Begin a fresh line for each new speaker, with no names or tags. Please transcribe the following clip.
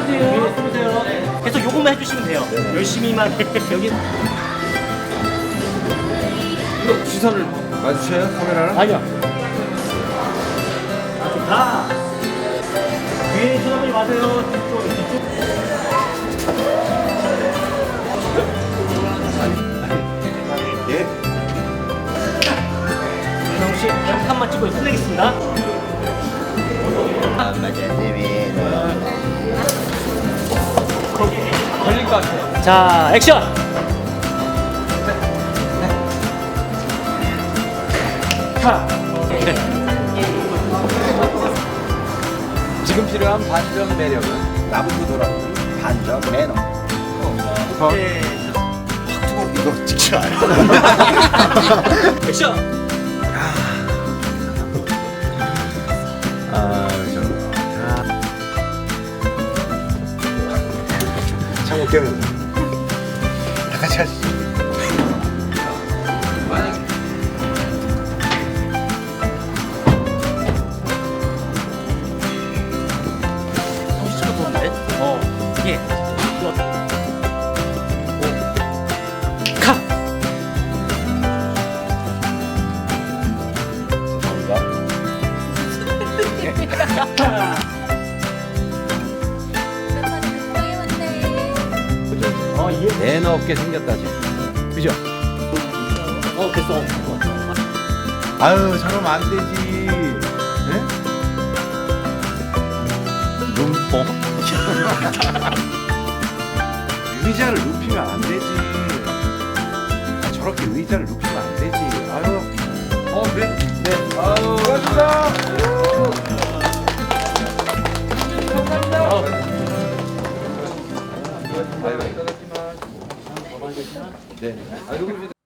쏘세요. 쏘세요. 계속 요것만 해주시면 돼요. 열심히만 여기.
이거 시선을 마주쳐요? 카메라랑?
아니요. 좋다. 뒤에 쳐다보지 마세요. 뒤쪽.
예?
윤성 씨, 한 칸만 찍고 끝내겠습니다.
걸릴 것 같아요.
자, 액션.
지금 필요한 반전 매력은 나부터 돌아오는 반전 매너.
네.
이거 찍지 않아.
액션.
참 웃겨요. 다 같이 하시죠.
정신차려 보는데? 이게. 카. 예.
매너 없게 생겼다 지금. 그죠?
됐어.
아유 저러면 안 되지. 네? 눈뽕. 의자를 눕히면 안 되지. 저렇게 의자를 눕히면 안 되지. 아유. 그래? 네. 아유. 고맙습니다. 감사합니다. 네.